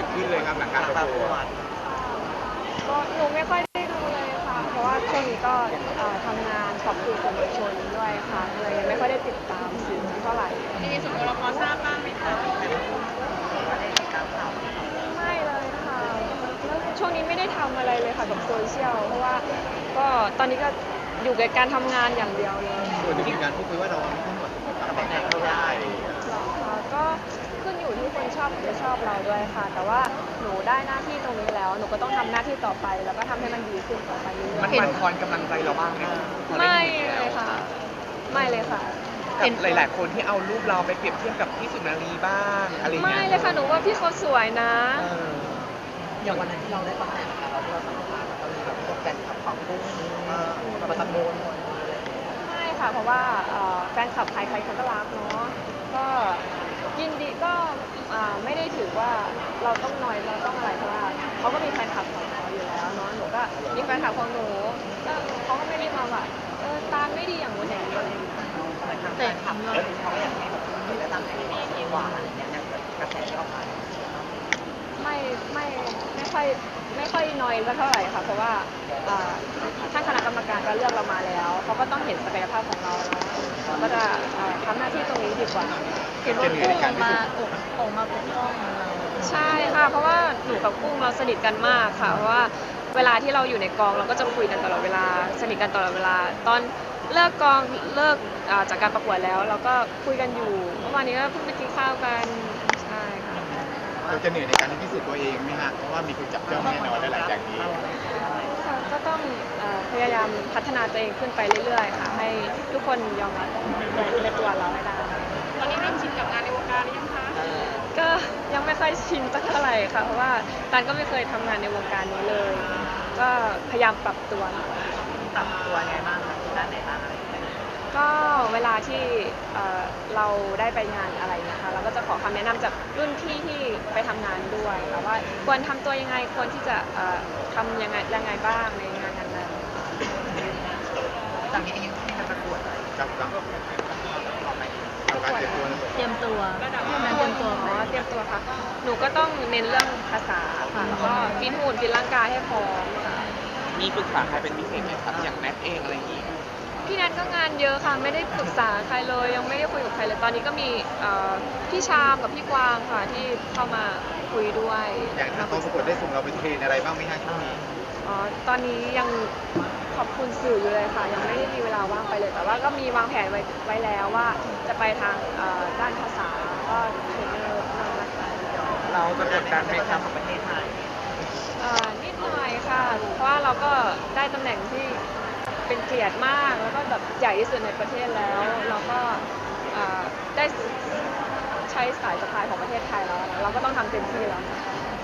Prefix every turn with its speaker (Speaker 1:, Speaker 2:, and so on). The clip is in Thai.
Speaker 1: ดขึ้นเลยครับหลังการประกวด
Speaker 2: ก็หนูไม่ค่อยได้ดูเลยค่ะเพราะว่าช่วงนี้ก็ทำงานขอบคุณสื่อมวลชนด้วยค่ะเลยยังไม่ค่อยได้ติดตามสื่อเท่าไหร่
Speaker 3: ในส่วนตัวเราพอทราบบ้างไหมคะ
Speaker 2: ไม่เลยค่ะแล้วช่วงนี้ไม่ได้ทำอะไรเลยค่ะกับโซเชียลเพราะว่าก็ตอนนี้ก็อยู่กับการทำงานอย่างเดียวเลย
Speaker 1: ส่วนที่การพูดคุยว่าเราไม่ต้องหมดตำแหน่งเท่าไหร่
Speaker 2: ก็ขึ้นอยู่ที่คนชอบหรือไม่ชอบเราด้วยค่ะแต่ว่าหนูได้หน้าที่ตรงนี้แล้วหนูก็ต้องทำหน้าที่ต่อไปแล้วก็ทำให้มันดีขึ้นต่อไปเรื่อยๆ
Speaker 1: มันบั่นทอนกำลังใจเราบ้างไหม
Speaker 2: ไม่เลยค่ะไม่เลยค่ะ
Speaker 1: เห็นหลายๆคนที่เอารูปเราไปเปรียบเทียบกับพี่สุนารีบ้างอะไรเงี้ย
Speaker 2: ไม่เลยค่ะหนูว่าพี่เขาสวยนะ
Speaker 4: อย่างวันนั้นที่เราได้ตำแหน่งเราที่เราสัมภาษณ์ก็มีแบบพวกแฟนคลับของกุ้งมาตะโกน
Speaker 2: ไม่ค่ะเพราะว่าแฟนคลับใครๆเขาก็รักเนาะก็ยินดีก็ไม่ได้ถือว่าเราต้องนอยเราต้องอะไรเพราะว่าเขาก็มีแฟนคลับของเขาอยู่แล้วเนาะหนูก็มีแฟนคลับของหนูก็เขาก็ไม่ได้มาแบบตามไม่ดีอย่างนู้นอย่างนี้อะไรอย่างเงี้ย
Speaker 4: แต่ทำเลยเขาอยากให้แบบได้ตำแหน่งดีกว่าอะไรเงี้ยกระแสที่ออกมา
Speaker 2: ไม่ค่อยน้อยสักเท่าไหร่ค่ะเพราะว่าท่านคณะกรรมการก็เลือกเรามาแล้วเขาก็ต้องเห็นศักยภาพของเราเราก็จะทำหน้าที่ตรงนี้ดีกว่า
Speaker 4: เห็นว่ากุ้งออกมาปกป้องเรา
Speaker 2: ใช่ค่ะเพราะว่าหนูกับกุ้งเราสนิทกันมากค่ะเพราะว่าเวลาที่เราอยู่ในกองเราก็จะคุยกันตลอดเวลาสนิทกันตลอดเวลาตอนเลิกกองเลิกจากการประกวดแล้วเราก็คุยกันอยู่เมื่อวานนี้ก็เพิ่งไปกินข้าวกันใช่ค่ะ
Speaker 1: เราจะเหนื่อยในการพิสูจน์ตัวเองไหมฮะเพราะว่ามีคนจับจ้องแน่นอนหลังจากนี้
Speaker 2: ก็ต้องพยายามพัฒนาตัวเองขึ้นไปเรื่อยๆค่ะให้ทุกคนยอมรับในตัวเราให้ได้
Speaker 3: ตอนนี้เริ่มชินกับงานในวงการหรือยังคะ
Speaker 2: ก็ยังไม่ค่อยชินสักเท่าไหร่ค่ะเพราะว่าตันก็ไม่เคยทำงานในวงการนี้เลยก็พยายามปรับตัว
Speaker 4: ไงบ้างด้านไหนบ้างอะไร
Speaker 2: ก็เวลาที่เราได้ไปงานอะไรนะคะเราก็จะขอคำแนะนำจากรุ่นพี่ที่ไปทำงานด้วยค่ะว่าควรทำตัวยังไงควรที่จะทำยังไงบ้างในงานนั้น
Speaker 4: จากนี้เองยังไม่ได้ประกวดเลย
Speaker 1: กับการ
Speaker 4: เตรียมตัว
Speaker 2: เตรียมตัวค่ะหนูก็ต้องเน้นเรื่องภาษาค่ะแล้วก็ฟิตหุ่นฟิตร่างกายให้พร้อมค่ะ
Speaker 1: มีปรึกษาใครเป็นพิเศษไหมครับอย่างแนทเองอะไรอย่างนี้
Speaker 2: พี่แนทก็งานเยอะค่ะไม่ได้ปรึกษาใครเลยยังไม่ได้คุยกับใครเลยตอนนี้ก็มีพี่ชามกับพี่กวางค่ะที่เข้ามาคุยด้วย
Speaker 1: อย่างทางกองประกวดได้ส่งเราไปเทรนอะไรบ้างไหมคะช่วงนี้
Speaker 2: ตอนนี้ยังขอบคุณสื่ออยู่เลยค่ะยังไม่ได้มีเวลาว่างไปเลยแต่ว่าก็มีวางแผนไว้แล้วว่าจะไปทางด้านภาษาก็เทรนเนอร์นั่งนะคะ
Speaker 1: เราจะกดดันไหมครับ
Speaker 4: ประเทศไทย
Speaker 2: นิดหน่อยค่ะเพราะว่าเราก็ได้ตำแหน่งที่เป็นเกียรติมากแล้วก็แบบใหญ่ที่สุดในประเทศแล้วเราก็ได้ใช้สายสะพายของประเทศไทยแล้วเราก็ต้องทำเต็มที่แล้ว